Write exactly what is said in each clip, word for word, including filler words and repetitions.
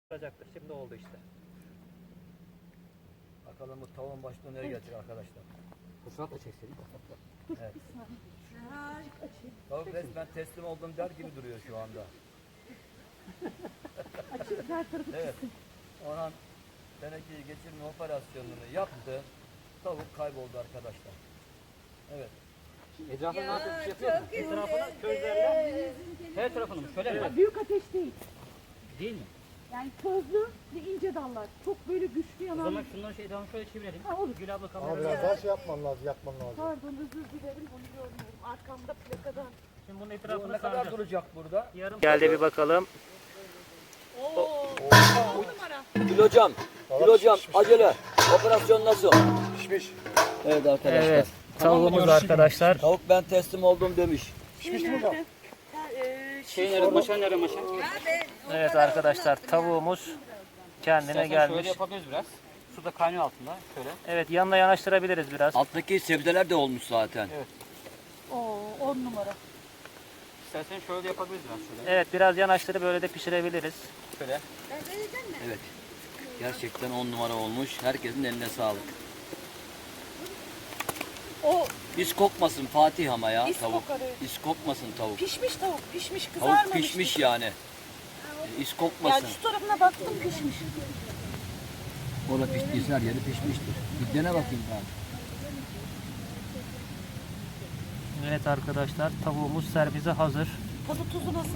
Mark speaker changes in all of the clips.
Speaker 1: olacaktır. Şimdi oldu işte.
Speaker 2: Bakalım bu tavuğun başına nereye gelecek arkadaşlar.
Speaker 1: Fırsat da çekselim.
Speaker 2: Evet. Tavuk resmen teslim oldum der gibi duruyor şu anda. Evet. Orhan tenekeyi geçirme operasyonunu yaptı. Tavuk kayboldu arkadaşlar. Evet.
Speaker 1: Etrafına nasıl bir şey yapıyor mu? Etrafına közlerle her tarafını mı? Şöyle mi?
Speaker 3: Büyük ateş değil.
Speaker 1: Değil mi?
Speaker 3: Yani közlü ve ince dallar. Çok böyle güçlü
Speaker 1: O
Speaker 3: yanan.
Speaker 1: zaman şundan şey daha şöyle çevirelim.
Speaker 3: Ha, olur.
Speaker 1: Gül abla
Speaker 4: Ama
Speaker 1: kamerayı.
Speaker 4: biraz daha şey yapman lazım, yapman lazım.
Speaker 3: Pardon, özür dilerim, onu görmüyorum. Arkamda plakadan.
Speaker 1: Şimdi bunun
Speaker 2: Bu
Speaker 1: etrafını
Speaker 2: ne kadar
Speaker 1: saracağız.
Speaker 2: duracak burada?
Speaker 1: Yarım
Speaker 5: Geldi bir bakalım.
Speaker 2: Gül hocam, Gül hocam acele. Operasyon nasıl?
Speaker 4: Pişmiş.
Speaker 2: Evet arkadaşlar.
Speaker 5: Evet. Tavuğumuz arkadaşlar.
Speaker 2: Tavuk ben teslim oldum demiş.
Speaker 4: Pişmiş mi hocam?
Speaker 1: şey nerede? Maşa nerede maşa?
Speaker 5: Evet arkadaşlar tavuğumuz kendine
Speaker 1: İstersen şöyle
Speaker 5: gelmiş.
Speaker 1: yapabiliriz biraz. Su da kaynıyor altında. Şöyle.
Speaker 5: Evet yanına yanaştırabiliriz biraz.
Speaker 2: Alttaki sebzeler de olmuş zaten.
Speaker 3: Oo, on numara.
Speaker 1: İstersen şöyle de yapabiliriz biraz şöyle.
Speaker 5: Evet biraz yanaştırıp böyle de pişirebiliriz.
Speaker 1: Şöyle.
Speaker 2: Evet. Gerçekten on numara olmuş. Herkesin eline sağlık.
Speaker 3: O
Speaker 2: İz kokmasın Fatih ama ya
Speaker 3: İz
Speaker 2: tavuk.
Speaker 3: kokar, evet.
Speaker 2: İz kokmasın tavuk.
Speaker 3: pişmiş tavuk, pişmiş, kızarmamış.
Speaker 2: Tavuk pişmiş yani. E, İz
Speaker 3: Yani
Speaker 2: kokmasın.
Speaker 3: şu tarafına baktım pişmiş.
Speaker 2: O da piştiyse her yeri pişmiştir. Bir dene bakayım ben.
Speaker 5: Evet arkadaşlar tavuğumuz servise hazır.
Speaker 3: Tadı tuzu nasıl?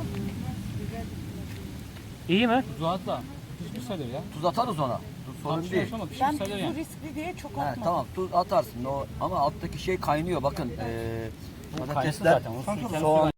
Speaker 5: İyi mi?
Speaker 1: Tuzu atla. Pişmiş sayılır ya.
Speaker 2: Tuz atarız ona. Tuz sorun değil.
Speaker 1: Ama pişmiş
Speaker 3: Ben
Speaker 1: sayılır
Speaker 3: tuzu
Speaker 1: yani.
Speaker 3: riskli diye çok
Speaker 2: He,
Speaker 3: atmadım.
Speaker 2: tamam tuz atarsın. O, ama alttaki şey kaynıyor bakın. Ee,
Speaker 1: Bu
Speaker 2: patatesler,
Speaker 1: kaynasın zaten. O su-
Speaker 2: soğan